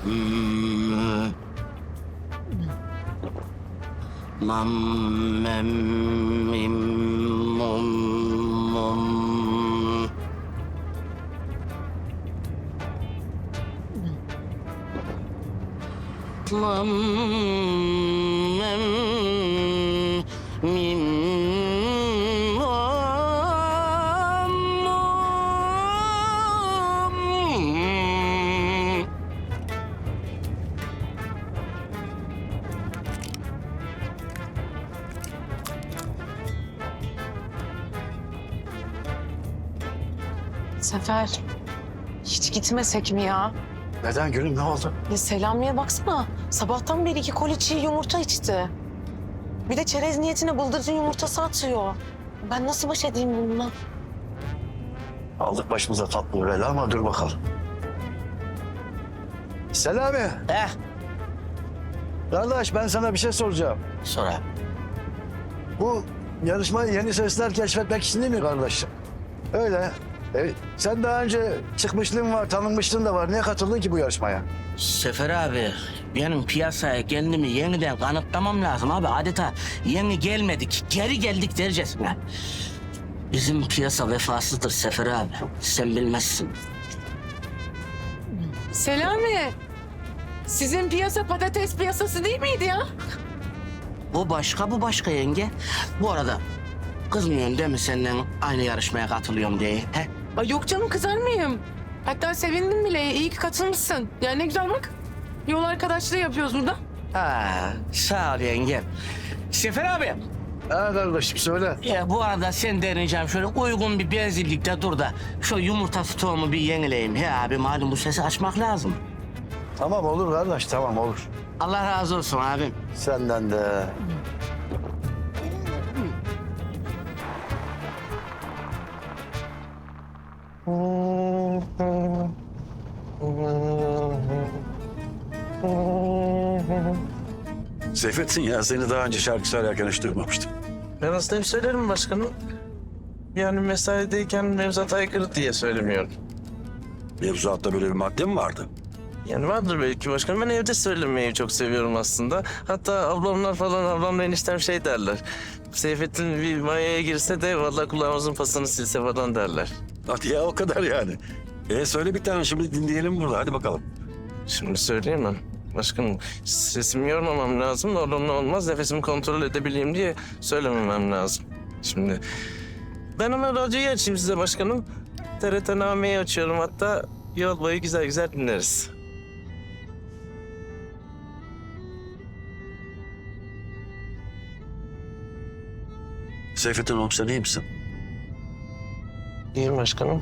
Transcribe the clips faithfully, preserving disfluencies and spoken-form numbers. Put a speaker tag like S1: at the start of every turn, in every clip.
S1: Hmm. Mam, mem, mim, mum, mum. Mam, mem, mim, mum, mum.
S2: Sefer, hiç gitmesek mi ya?
S3: Neden gülüm, ne oldu?
S2: Ya Selami'ye baksana. Sabahtan beri iki koli çiğ yumurta içti. Bir de çerez niyetine bıldırcın yumurtası atıyor. Ben nasıl baş edeyim bununla?
S3: Aldık başımıza tatlı bir bela ama dur bakalım. Selami,
S1: Eh,
S3: kardeş ben sana bir şey soracağım.
S1: sonra.
S3: Bu yarışmayı yeni sesler keşfetmek için değil mi kardeşim? Öyle. E, sen daha önce çıkmışlığın var, tanınmışlığın da var. Niye katıldın ki bu yarışmaya?
S1: Sefer abi, benim piyasaya kendimi yeniden kanıtlamam lazım abi. Adeta yeni gelmedik, geri geldik dercesine. Bizim piyasa vefasızdır Sefer abi. Sen bilmezsin.
S2: Selami, sizin piyasa patates piyasası değil miydi ya?
S1: Bu başka, bu başka yenge. Bu arada kızmıyorsun değil mi senden aynı yarışmaya katılıyorum diye? He?
S2: Ay yok canım, kızar mıyım? Hatta sevindim bile. İyi ki katılmışsın. Ya ne güzel bak. Yol arkadaşlığı yapıyoruz burada.
S1: Ha, sağ ol yenge. Sefer abi,
S3: Ha kardeşim söyle.
S1: ya bu arada sen deneyeceğim şöyle uygun bir benzinlikte dur da şu yumurta stoğumu bir yenileyim. He abi, malum bu sesi açmak lazım.
S3: Tamam olur kardeş, tamam olur.
S1: Allah razı olsun abim.
S3: Senden de.
S4: Seyfettin ya, seni daha önce şarkı söylerken hiç duymamıştım.
S5: Ben aslında hep söylerim başkanım. Yani mesaideyken mevzuata aykırı diye söylemiyorum.
S4: Mevzuatta böyle bir madde mi vardı?
S5: Yani vardır belki başkanım. Ben evde söylemeyi çok seviyorum aslında. Hatta ablamlar falan, ablamla eniştem şey derler. Seyfettin bir mayaya girse de vallahi kulağımızın pasını silse falan derler.
S4: Hadi ya, o kadar yani. E söyle bir tane şimdi dinleyelim burada, hadi bakalım.
S5: Şimdi söyleyemem. Başkanım sesimi yormamam lazım. Oğlumla olmaz. Nefesimi kontrol edebileyim diye söylememem lazım. Şimdi ben hemen radyoyu açayım size başkanım. T R T Name'yi açıyorum hatta. Yol boyu güzel güzel dinleriz.
S4: Seyfettin oğlum, sen iyi misin?
S5: İyiyim başkanım.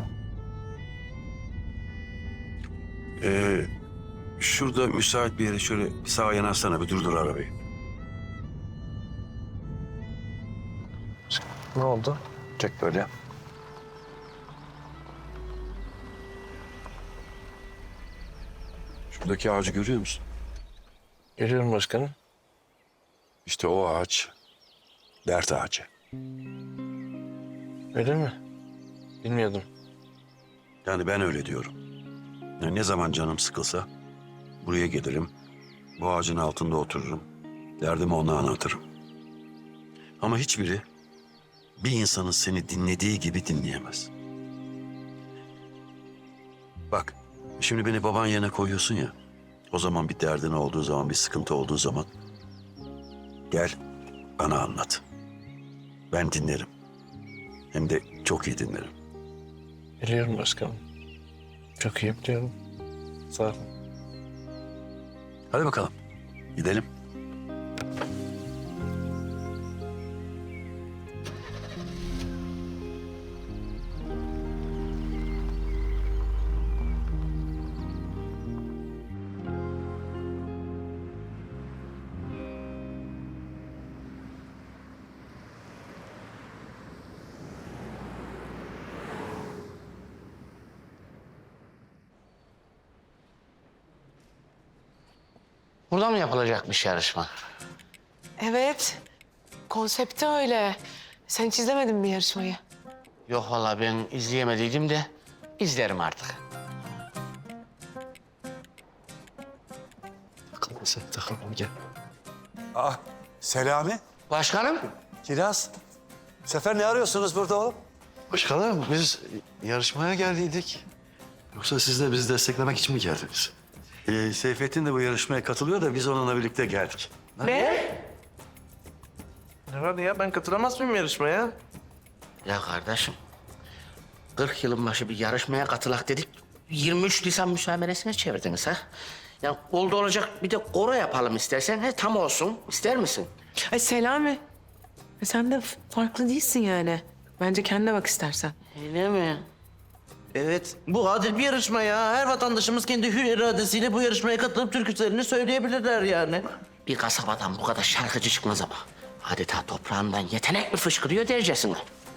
S4: Ee, şurada müsait bir yere şöyle bir sağa yanaşsana, bir durdur arabayı.
S5: Ne oldu?
S4: Çek böyle. Şuradaki ağacı görüyor musun?
S5: Görüyorum başkanım.
S4: İşte o ağaç dert ağacı.
S5: Öyle mi? Bilmiyordum.
S4: Yani ben öyle diyorum. Yani ne zaman canım sıkılsa buraya gelirim. Bu ağacın altında otururum. Derdimi ona anlatırım. Ama hiçbiri bir insanın seni dinlediği gibi dinleyemez. Bak, şimdi beni baban yerine koyuyorsun ya. O zaman bir derdin olduğu zaman, bir sıkıntı olduğu zaman gel bana anlat. Ben dinlerim. Hem de çok iyi dinlerim.
S5: Biliyorum başkanım. Çok iyi biliyorum. Sağ olun.
S4: Hadi bakalım, gidelim.
S1: Burada mı yapılacakmış yarışma?
S2: Evet. Konsepti öyle. Sen hiç izlemedin mi yarışmayı?
S1: Yok vallahi ben izleyemediydim de izlerim artık.
S3: Sen takılma gel.
S6: Ah, Selami,
S1: Başkanım.
S6: Kiraz. Sefer ne arıyorsunuz burada oğlum?
S3: Başkanım biz yarışmaya geldiydik. Yoksa siz de bizi desteklemek için mi geldiniz?
S4: Ee, Seyfettin de bu yarışmaya katılıyor da biz onunla birlikte geldik.
S5: Ne? Ne var ya? Ben katılamaz mıyım yarışmaya?
S1: Ya kardeşim, kırk yılın başı bir yarışmaya katılak dedik. yirmi üç Nisan müsameresine çevirdiniz ha. Ya oldu olacak bir de koro yapalım istersen. He, tam olsun. İster misin?
S2: Ay Selami. E sen de f- farklı değilsin yani. Bence kendine bak istersen.
S1: Öyle mi?
S5: Evet, bu adil bir yarışma ya. Her vatandaşımız kendi hür iradesiyle bu yarışmaya katılıp türkülerini söyleyebilirler yani.
S1: Bir kasabadan bu kadar şarkıcı çıkmaz ama. Adeta toprağından yetenek mi fışkırıyor dercesine.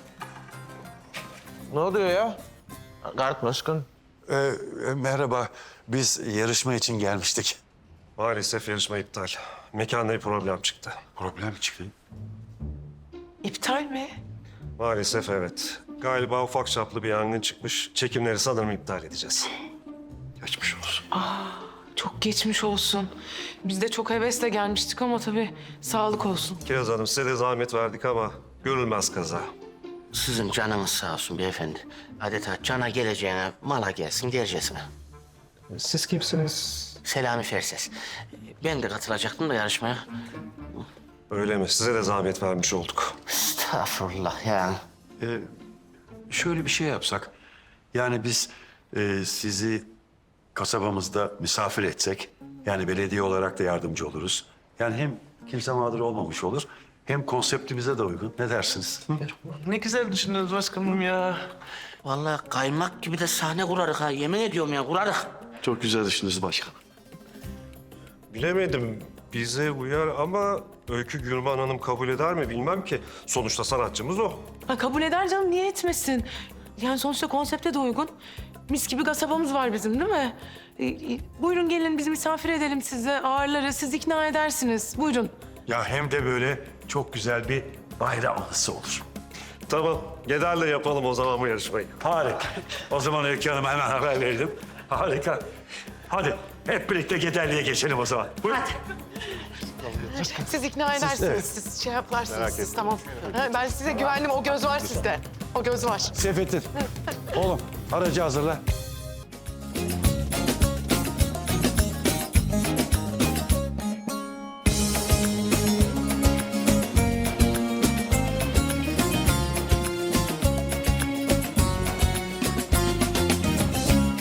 S5: Ne oluyor ya? Gart başkan.
S6: Ee, e, merhaba, biz yarışma için gelmiştik.
S7: Maalesef yarışma iptal. Mekanda bir problem çıktı.
S4: Problem mi çıktı?
S2: İptal mi?
S7: Maalesef evet. Galiba ufak çaplı bir yangın çıkmış. Çekimleri sanırım iptal edeceğiz.
S4: Geçmiş olsun.
S2: Çok geçmiş olsun. Biz de çok hevesle gelmiştik ama tabii sağlık olsun.
S7: Kiraz Hanım size de zahmet verdik ama görülmez kaza.
S1: Sizin canınız sağ olsun beyefendi. Adeta cana geleceğine mala gelsin dercesine.
S7: Siz kimsiniz?
S1: Selami Ferses. Ben de katılacaktım da yarışmaya.
S7: Öyle mi? Size de zahmet vermiş olduk.
S1: Estağfurullah yani.
S4: Ee, şöyle bir şey yapsak. Yani biz e, sizi kasabamızda misafir etsek. Yani belediye olarak da yardımcı oluruz. Yani hem kimse mağdur olmamış olur. Hem konseptimize de uygun. Ne dersiniz? Hı?
S5: Ne güzel düşündünüz başkanım ya.
S1: Vallahi kaymak gibi de sahne kurarık ha. Yemin ediyorum ya kurarık.
S3: Çok güzel düşündünüz başkanım.
S7: Bilemedim. Bize uyar ama Öykü Gülman Hanım kabul eder mi bilmem ki. Sonuçta sanatçımız o.
S2: Ha, kabul eder canım, niye etmesin? Yani sonuçta konsepte de uygun. Mis gibi kasabamız var bizim değil mi? E, e, buyurun gelin biz misafir edelim size, ağırlarız, siz ikna edersiniz. Buyurun.
S6: Ya hem de böyle çok güzel bir bayram anısı olur.
S7: Tamam, Geder'le yapalım o zaman bu yarışmayı.
S6: Harika. O zaman Öykü Hanım'a hemen haber verelim. Harika. Hadi hep birlikte Gederli'ye geçelim o zaman. Buyurun.
S2: Siz ikna edersiniz, siz şey yaparsınız, siz tamam. Ha, ben size güvendim, o göz var sizde. O göz var.
S6: Seyfettin. Oğlum aracı hazırla.